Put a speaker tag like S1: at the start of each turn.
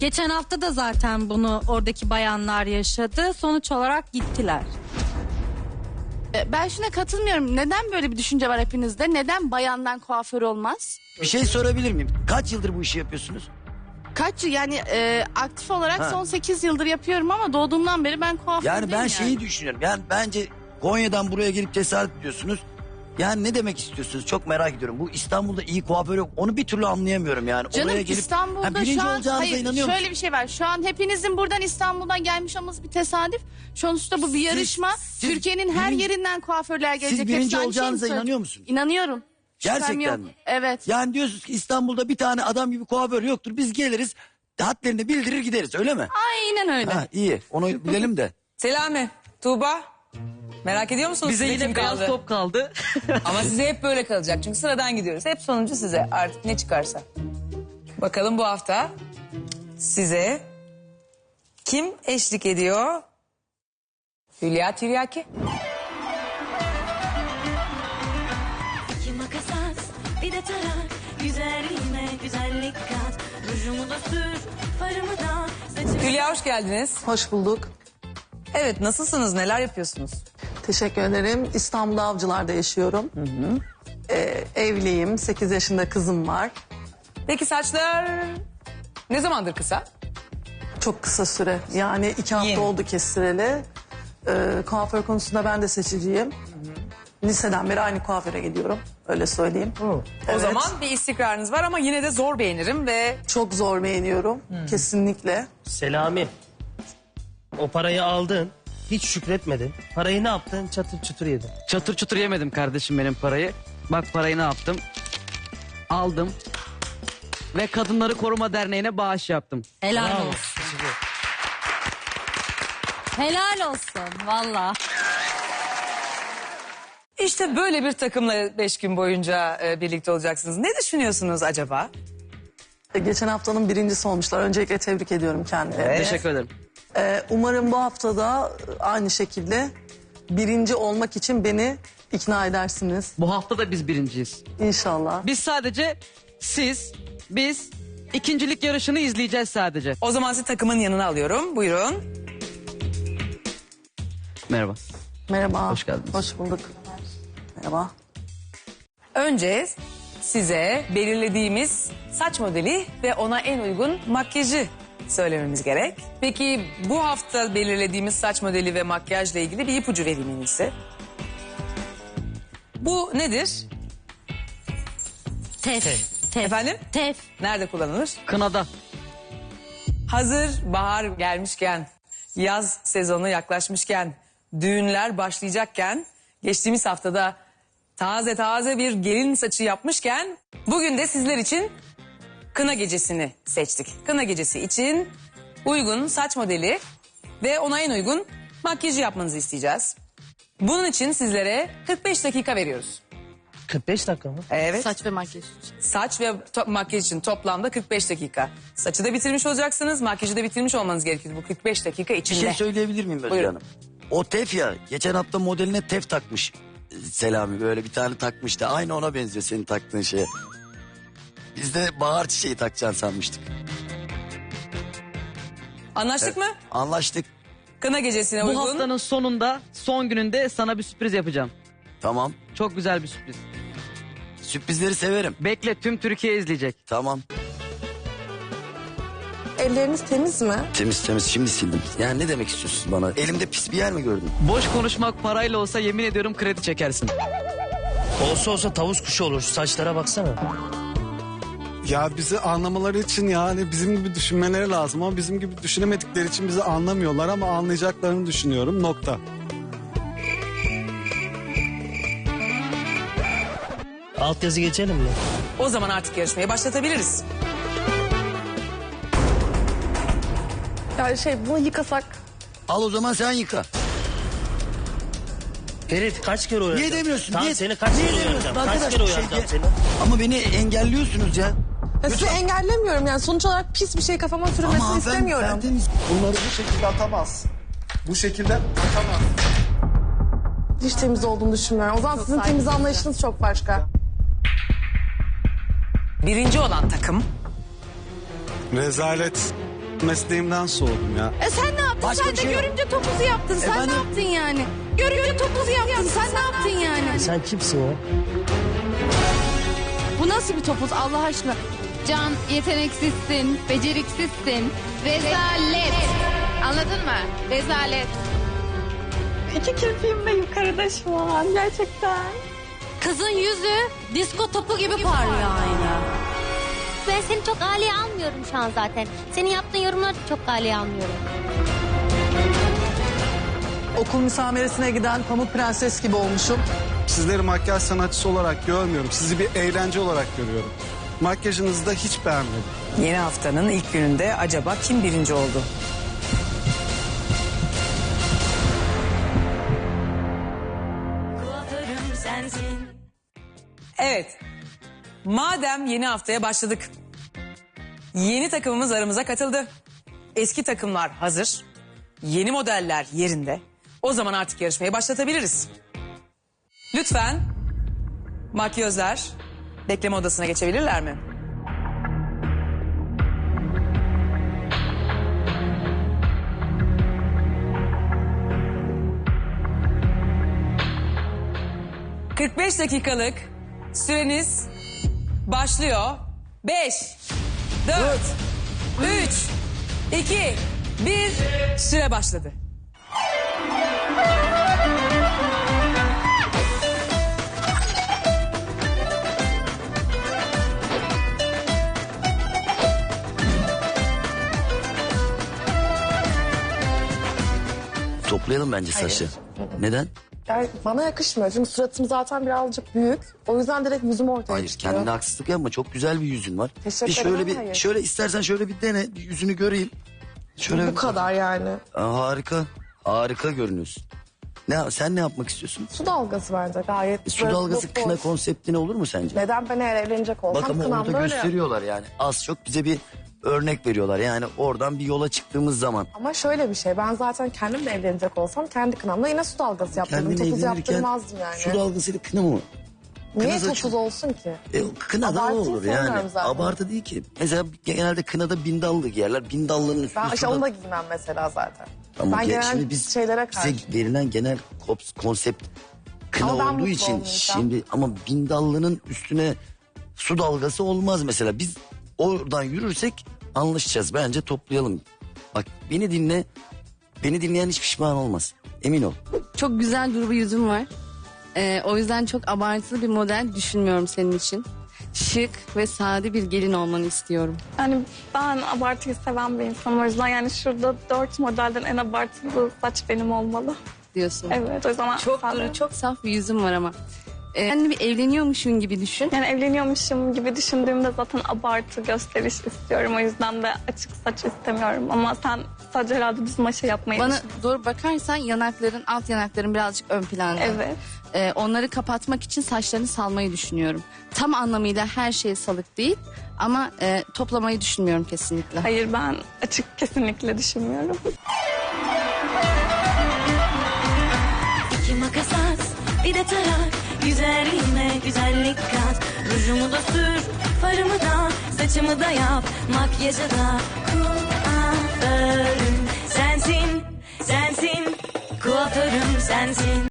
S1: Geçen hafta da zaten bunu oradaki bayanlar yaşadı. Sonuç olarak gittiler.
S2: Ben şuna katılmıyorum. Neden böyle bir düşünce var hepinizde? Neden bayandan kuaför olmaz?
S3: Bir şey sorabilir miyim? Kaç yıldır bu işi yapıyorsunuz?
S2: Aktif olarak
S3: Ha.
S2: son 8 yıldır yapıyorum ama doğduğumdan beri ben kuaför
S3: Yani
S2: değilim
S3: ben şeyi düşünüyorum. Yani bence Konya'dan buraya gelip cesaret ediyorsunuz. Yani ne demek istiyorsunuz? Çok merak ediyorum. Bu İstanbul'da iyi kuaför yok. Onu bir türlü anlayamıyorum yani.
S2: Canım
S3: Oraya gelip
S2: İstanbul'da
S3: birinci
S2: şu an
S3: olacağınıza inanıyor
S2: şöyle
S3: musun?
S2: bir şey var. Şu an hepinizin buradan İstanbul'dan gelmiş olması bir tesadüf. Sonuçta bu bir yarışma. Türkiye'nin her yerinden kuaförler gelecek.
S3: Siz birinci
S2: Hepsi aynı
S3: olacağınıza
S2: şeyi mi
S3: inanıyor
S2: söylüyor?
S3: musunuz?
S2: İnanıyorum. Şüphem
S3: Gerçekten
S2: yok.
S3: mi?
S2: Evet.
S3: Yani diyorsunuz ki İstanbul'da bir tane adam gibi kuaför yoktur. Biz geliriz, hadlerini bildirir gideriz, öyle mi?
S2: Aynen öyle.
S3: Ha, iyi, onu bilelim de.
S4: Selami, Tuğba. Merak ediyor musunuz?
S5: Bize
S4: size
S5: yine
S4: kim
S5: beyaz
S4: kaldı?
S5: top kaldı.
S4: Ama size hep böyle kalacak. Çünkü sıradan gidiyoruz. Hep sonuncu size artık ne çıkarsa. Bakalım bu hafta size kim eşlik ediyor? Hülya Tiryaki.
S6: İki makas at, bir de tarak. Güzelliğime güzellik kat. Rujumu da sür, farımı da. Saçımı...
S4: Hülya hoş geldiniz.
S7: Hoş bulduk.
S4: Evet, nasılsınız? Neler yapıyorsunuz?
S7: Teşekkür ederim. İstanbul Avcılar'da yaşıyorum. Evliyim. 8 yaşında kızım var.
S4: Peki saçlar ne zamandır kısa?
S7: Çok kısa süre. Yani 2 hafta
S4: Yeni.
S7: oldu kestireli. Kuaför konusunda ben de seçiciyim. Liseden beri aynı kuaföre gidiyorum. Öyle söyleyeyim.
S4: O
S7: Evet.
S4: zaman bir istikrarınız var ama yine de zor beğenirim ve
S7: Çok zor beğeniyorum. Kesinlikle.
S5: Selami. O parayı aldın. Hiç şükretmedin. Parayı ne yaptın? Çatır çutur yedin.
S8: Çatır çutur yemedim kardeşim benim parayı. Bak parayı ne yaptım? Aldım. Ve Kadınları Koruma Derneği'ne bağış yaptım.
S1: Helal
S5: Bravo.
S1: olsun. Helal olsun valla.
S4: işte böyle bir takımla 5 gün boyunca birlikte olacaksınız. Ne düşünüyorsunuz acaba?
S7: Geçen haftanın birincisi olmuşlar. Öncelikle tebrik ediyorum kendilerini.
S8: Teşekkür ederim.
S7: Umarım bu haftada aynı şekilde birinci olmak için beni ikna edersiniz.
S8: Bu hafta da biz birinciyiz.
S7: İnşallah.
S8: Biz sadece biz ikincilik yarışını izleyeceğiz sadece.
S4: O zaman sizi takımın yanına alıyorum. Buyurun.
S8: Merhaba.
S7: Merhaba.
S8: Hoş geldiniz.
S7: Hoş bulduk. Merhaba.
S4: Önce size belirlediğimiz saç modeli ve ona en uygun makyajı söylememiz gerek. Peki bu hafta belirlediğimiz saç modeli ve makyajla ilgili bir ipucu vereyim en iyisi. Bu nedir?
S1: Tef.
S4: Efendim?
S1: Tef.
S4: Nerede kullanılır?
S8: Kınada.
S4: Hazır bahar gelmişken, yaz sezonu yaklaşmışken, düğünler başlayacakken, geçtiğimiz haftada taze bir gelin saçı yapmışken, bugün de sizler için kına gecesini seçtik. Kına gecesi için uygun saç modeli ve ona en uygun makyajı yapmanızı isteyeceğiz. Bunun için sizlere 45 dakika veriyoruz.
S5: 45 dakika mı?
S4: Evet.
S2: Saç ve makyaj için.
S4: Saç ve makyaj için toplamda 45 dakika. Saçı da bitirmiş olacaksınız, makyajı da bitirmiş olmanız gerekiyor bu 45 dakika
S3: Bir
S4: içinde.
S3: şey söyleyebilir miyim Özgür
S4: Buyurun.
S3: Hanım? O tef ya, geçen hafta modeline tef takmış Selami, böyle bir tane takmıştı. Aynı ona benziyor senin taktığın şeye. Biz de bahar çiçeği takacaksın sanmıştık.
S4: Anlaştık mı?
S3: Anlaştık.
S4: Kına gecesine
S8: Bu
S4: uygun.
S8: haftanın sonunda, son gününde sana bir sürpriz yapacağım.
S3: Tamam.
S8: Çok güzel bir sürpriz.
S3: Sürprizleri severim.
S8: Bekle, tüm Türkiye izleyecek.
S3: Tamam.
S7: Elleriniz temiz mi?
S3: Temiz şimdi sildim. Yani ne demek istiyorsun bana? Elimde pis bir yer mi gördün?
S8: Boş konuşmak parayla olsa yemin ediyorum kredi çekersin.
S5: Olsa tavus kuşu olur. Şu saçlara baksana.
S9: Ya bizi anlamaları için yani bizim gibi düşünmeleri lazım ama bizim gibi düşünemedikleri için bizi anlamıyorlar ama anlayacaklarını düşünüyorum. Nokta.
S5: Altyazı geçelim mi?
S4: O zaman artık yarışmayı başlatabiliriz.
S7: Yani bunu yıkasak.
S3: Al o zaman sen yıka.
S5: Ferit kaç kere uyaracağım?
S3: Niye demiyorsun?
S5: Tamam
S3: Niye-
S5: seni kaç
S3: niye
S5: kere
S3: demiyorsun?
S5: uyaracağım? Kaç
S3: Arkadaş,
S5: kere
S3: bir şey
S5: uyaracağım
S3: de-
S5: seni?
S3: Ama beni engelliyorsunuz ya.
S7: Sizi engellemiyorum yani sonuç olarak pis bir şey kafama sürülmesini
S3: Ama
S7: istemiyorum.
S3: ben temiz.
S9: Bunları bu şekilde atamaz. Bu şekilde atamaz.
S7: Hiç temiz olduğunu düşünmüyorum. O zaman sizin temiz anlayışınız çok başka.
S4: Birinci olan takım
S9: Rezalet. Mesleğimden soğudum ya.
S2: Sen ne yaptın?
S3: Başka
S2: Sen
S3: bir
S2: de
S3: şey yok.
S2: görünce topuzu yaptın. Sen
S3: Efendim?
S2: ne yaptın yani? Görünce topuzu yaptın. Sen ne yaptın yani?
S5: Sen kimsin ya?
S2: Bu nasıl bir topuz Allah aşkına?
S10: Can, yeteneksizsin, beceriksizsin. Rezalet. Anladın mı? Rezalet.
S6: İki kirpiğim de yukarıda şu an gerçekten.
S1: Kızın yüzü disko topu gibi parlıyor aynı.
S11: Ben seni çok aileye almıyorum şu an zaten. Senin yaptığın yorumları da çok aileye almıyorum.
S7: Okul müsameresine giden Pamuk Prenses gibi olmuşum.
S9: Sizleri makyaj sanatçısı olarak görmüyorum. Sizi bir eğlence olarak görüyorum. Makyajınızı da hiç beğenmedim.
S4: Yeni haftanın ilk gününde acaba kim birinci oldu?
S6: Kuaförüm sensin.
S4: Evet. Madem yeni haftaya başladık. Yeni takımımız aramıza katıldı. Eski takımlar hazır. Yeni modeller yerinde. O zaman artık yarışmayı başlatabiliriz. Lütfen makyözler bekleme odasına geçebilirler mi? ...45 dakikalık süreniz başlıyor. 5, 4, 3, 2, 1... Süre başladı.
S3: Toplayalım bence saçı. Neden?
S12: Yani bana yakışmıyor çünkü suratım zaten birazcık büyük. O yüzden direkt yüzüm ortaya
S3: Hayır,
S12: çıkıyor.
S3: kendine haksızlık yapma. Çok güzel bir yüzün var.
S12: Teşekkür
S3: Bir şöyle
S12: ederim, hayır.
S3: şöyle istersen şöyle bir dene, bir yüzünü göreyim. Şöyle
S12: Bu kadar yani.
S3: Harika. Harika görünüyorsun. Sen ne yapmak istiyorsun?
S12: Su dalgası bence gayet.
S3: Su
S12: böyle
S3: dalgası
S12: boş.
S3: kına konseptine olur mu sence?
S12: Neden ben eğer evlenecek olsam
S3: Bak ama
S12: kınamda
S3: orada
S12: öyle.
S3: gösteriyorlar yani. Az çok bize bir örnek veriyorlar. Yani oradan bir yola çıktığımız zaman.
S12: Ama şöyle bir şey, ben zaten kendimle evlenecek olsam kendi kınamda yine su dalgası yaptırdım.
S3: Kendine
S12: Topuz
S3: evlenirken
S12: yaptırmazdım yani.
S3: su dalgasıyla kına mı?
S12: Niye
S3: kına
S12: topuz
S3: saçı-
S12: olsun ki?
S3: Kına da
S12: Abartıyı
S3: olur yani.
S12: sevmiyorum zaten.
S3: Abartı değil ki. Mesela genelde kınada bindallı giyerler. Bindallının üstüne
S12: Ben işte
S3: suda-
S12: onu da giymem mesela zaten.
S3: Ama
S12: ben genel
S3: şimdi biz
S12: şeylere
S3: bize
S12: karşı.
S3: verilen genel konsept kına
S12: Ama ben
S3: olduğu
S12: mutlu
S3: için
S12: olmayacağım.
S3: şimdi ama bindallının üstüne su dalgası olmaz mesela. Biz oradan yürürsek anlaşacağız. Bence toplayalım. Bak beni dinle. Beni dinleyen hiç pişman olmaz. Emin ol.
S2: Çok güzel duru bir yüzüm var. O yüzden çok abartılı bir model düşünmüyorum senin için. Şık ve sade bir gelin olmanı istiyorum.
S6: Yani ben abartıyı seven bir insanım. O yüzden yani şurada 4 modelden en abartılı saç benim olmalı.
S2: Diyorsun.
S6: Evet, o yüzden
S2: Çok
S6: sade.
S2: duru, çok saf bir yüzüm var ama. Kendini bir evleniyormuşsun gibi düşün.
S6: Yani evleniyormuşum gibi düşündüğümde zaten abartı gösteriş istiyorum. O yüzden de açık saç istemiyorum. Ama sen sadece herhalde düz maşa yapmayı
S2: Bana
S6: düşün-
S2: doğru bakarsan yanakların, alt yanakların birazcık ön planda.
S6: Evet.
S2: Onları kapatmak için saçlarını salmayı düşünüyorum. Tam anlamıyla her şey salık değil ama toplamayı düşünmüyorum kesinlikle.
S6: Hayır, ben açık kesinlikle düşünmüyorum.
S10: İki makas at, bir de tarak. Güzelliğime güzellik kat. Rujumu da sür, farımı da, saçımı da yap. Makyajı da kuaförüm sensin, sensin. Kuaförüm sensin.